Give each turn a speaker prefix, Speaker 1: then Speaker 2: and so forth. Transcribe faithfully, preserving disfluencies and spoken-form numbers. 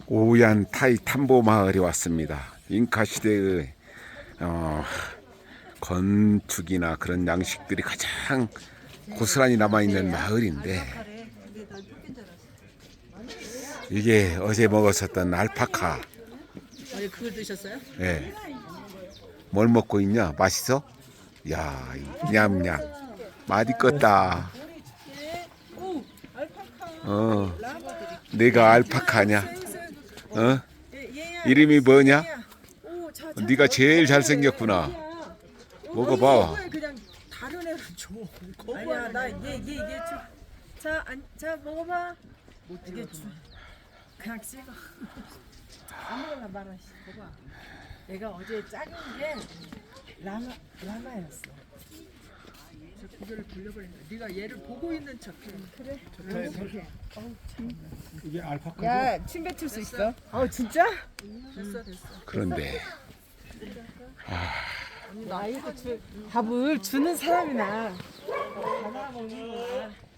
Speaker 1: 오얀 타이 탐보 마을에 왔습니다. 잉카 시대의 어, 건축이나 그런 양식들이 가장 고스란히 남아있는 마을인데, 이게 어제 먹었었던 알파카.
Speaker 2: 어제 그걸 드셨어요?
Speaker 1: 예. 뭘 먹고 있냐? 맛있어? 야, 냠냠. 맛있겠다. 어, 내가 알파카냐? 어? 이름이 뭐냐? 네가 제일 잘생겼구나. 먹어봐.
Speaker 2: 그냥 다른 애를 줘. 아니야, 나얘얘얘 줘. 자, 안, 자 먹어봐. 이게 주. 그냥 찍어. 아무거나 말아. 봐봐. 내가 어제 작은 게 라마 라마였어. 저 고개를 돌려버린다. 네가 얘를 보고 있는 척해. 그래. 좋다. 어우 참.
Speaker 3: 이게 알파카죠?
Speaker 2: 야, 침 뱉을 수 있어? 어, 진짜? 됐어, 됐어.
Speaker 1: 그런데
Speaker 2: 나 이거 주, 밥을 주는 사람이나 받아 먹는 거야.